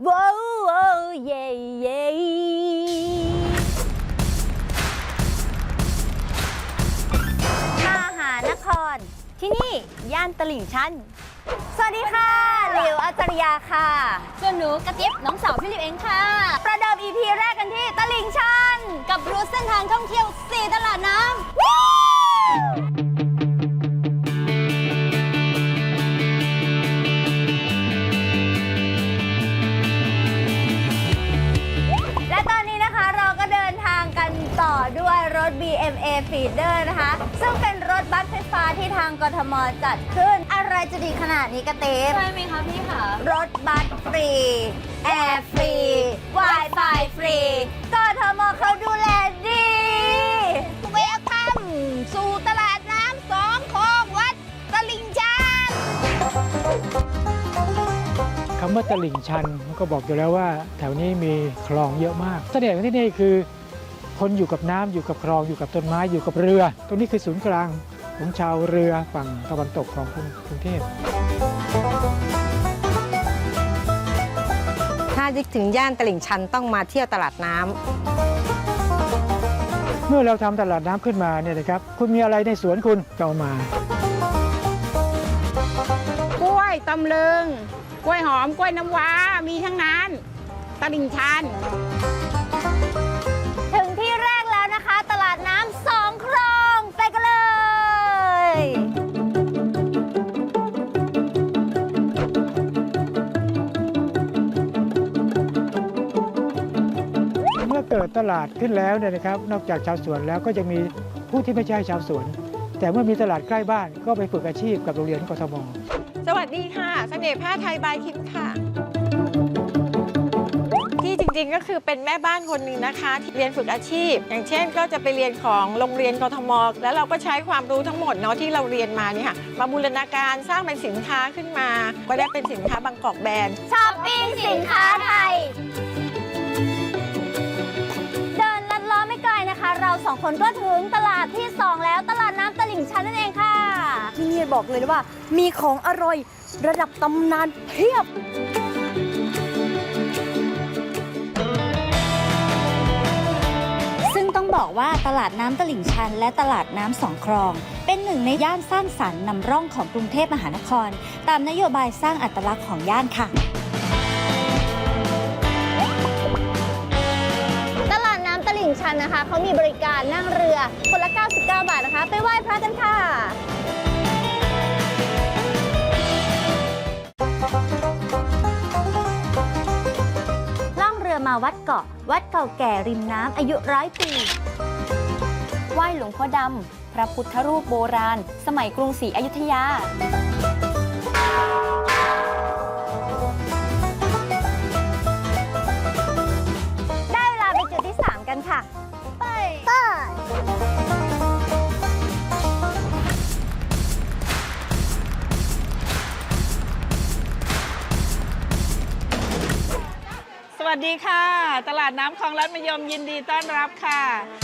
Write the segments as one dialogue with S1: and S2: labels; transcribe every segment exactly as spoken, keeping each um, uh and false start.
S1: ว้าวว้าวเย่เย่มหานครที่นี่ย่านตลิ่งชันสวัสดีค่ะหลิวอัจฉริยาค่ะส่วนหนูกระติ๊บน้องสาวพี่หลิวเองค่ะประเดิม อี พี แรกกันที่ตลิ่งชันกับรูทเส้นทางท่องเที่ยวสี่ตลาดน้ำและตอนนี้นะคะเราก็เดินทางกันต่อด้วยรถ บี เอ็ม เอ Feeder นะคะซึ่งเป็นรถบัสไฟฟ้าที่ทางกทมจัดขึ้นอะไรจะดีขนาดนี้กระเต้ใช่ไหมคะพี่คะรถบัสฟรีแอร์ฟรี Wi-Fi ฟรีกทมเขาดูแลดีเวลคัมสู่ตลาดน้ำสองคลองวัดตลิ่งชัน
S2: คำว่าตลิ่งชันมันก็บอกอยู่แล้วว่าแถวนี้มีคลองเยอะมากเสน่ห์ของที่นี่คือคนอยู่กับน้ำอยู่กับคลองอยู่กับต้นไม้อยู่กับเรือตรงนี้คือศูนย์กลางของชาวเรือฝั่งตะวันตกของกรุงเทพ
S3: ถ้านึกถึงย่านตลิ่งชันต้องมาเที่ยวตลาดน้
S2: ำเมื่อเราทำตลาดน้ำขึ้นมาเนี่ยนะครับคุณมีอะไรในสวนคุณก็เอามาก
S3: ล้วยตำลึงกล้วยหอมกล้วยน้ำว้ามีทั้งนั้นตลิ่งชัน
S1: ถึงที่แรกแล้วนะคะตลาดน้ำสองคลองไปกันเลย
S2: เมื่อเกิดตลาดขึ้นแล้วเนี่ยนะครับนอกจากชาวสวนแล้วก็จะมีผู้ที่ไม่ใช่ชาวสวนแต่เมื่อมีตลาดใกล้บ้านก็ไปฝึกอาชีพกับโรงเรียนกทม
S3: สวัสดีค่ะเสน่ห์ผ้าไทยบายคิมค่ะที่จริงๆก็คือเป็นแม่บ้านคนหนึ่งนะคะที่เรียนฝึกอาชีพอย่างเช่นก็จะไปเรียนของโรงเรียนกทมแล้วเราก็ใช้ความรู้ทั้งหมดเนาะที่เราเรียนมาเนี่ยค่ะมาบูรณาการสร้างเป็นสินค้าขึ้นมาก็ได้เป็นสินค้าบางกอกแบรนด์
S1: ช้อปปิ้งสินค้าไทยเดินลัดล้อไม่ไกลนะคะเราสองคนก็ถึงตลาดที่สองแล้วตลาดน้ำตลิ่งชันนั่นเองค่ะที่นี่บอกเลยว่ามีของอร่อยระดับตำนานเพียบซึ่งต้องบอกว่าตลาดน้ำตลิ่งชันและตลาดน้ำสองคลองเป็นหนึ่งในย่านสร้างสรรค์นำร่องของกรุงเทพมหานครตามนโยบายสร้างอัตลักษณ์ของย่านค่ะตลาดน้ำตลิ่งชันนะคะเขามีบริการนั่งเรือคนละเก้าสิบเก้าบาทนะคะไปไหว้พระกันค่ะมาวัดเกาะวัดเก่าแก่ริมน้ำอายุร้อยปีไหว้หลวงพ่อดำพระพุทธรูปโบราณสมัยกรุงศรีอยุธยาได้เวลาไปจุดที่สามกันค่ะไปไป
S3: สวัสดีค่ะตลาดน้ำคลองลัดมะยมยินดีต้อนรับค่ะ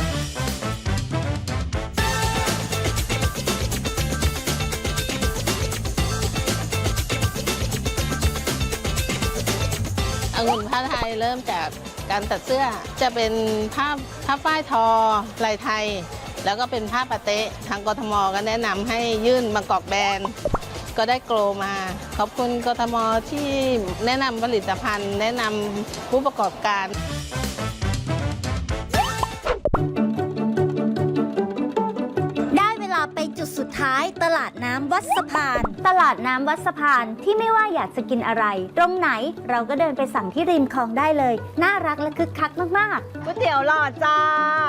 S4: องุ่นผ้าไทยเริ่มจากการตัดเสื้อจะเป็นผ้าผ้าฝ้ายทอลายไทยแล้วก็เป็นผ้าปะเต๊ะทางกทมก็แนะนำให้ยื่นบางกอกแบรนด์ก็ได้โกลมาขอบคุณกทมที่แนะนำผลิตภัณฑ์แนะนำผู้ประกอบการ
S1: ได้เวลาไปจุดสุดท้ายตลาดน้ำวัดสะพานตลาดน้ำวัดสะพานที่ไม่ว่าอยากจะกินอะไรตรงไหนเราก็เดินไปสั่งที่ริมคลองได้เลยน่ารักและคึกคักมากๆก๋วยเตี๋ยวหลอดจ้า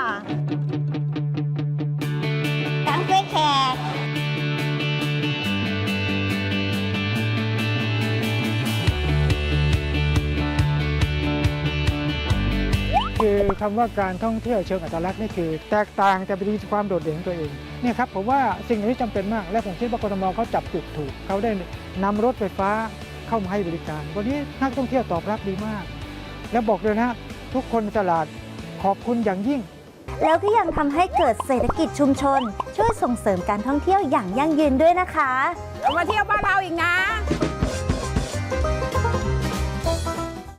S1: ทั้งกล้วยแขก
S2: คือคำว่าการท่องเที่ยวเชิงอัตลักษณ์นี่คือแตกต่างแต่เป็นความโดดเด่นของตัวเองเนี่ยครับผมว่าสิ่งนี้จำเป็นมากและผมคิดว่ากทมเขาจับจุดถูกเขาได้นำรถไฟฟ้าเข้ามาให้บริการวันนี้นักท่องเที่ยวตอบรับดีมากและบอกเลยนะทุกคนในตลาดขอบคุณอย่างยิ่ง
S1: แล้วก็ยังทำให้เกิดเศรษฐกิจชุมชนช่วยส่งเสริมการท่องเที่ยวอย่างยั่งยืนด้วยนะคะ
S3: มาเที่ยวบ้านเราอีกนะ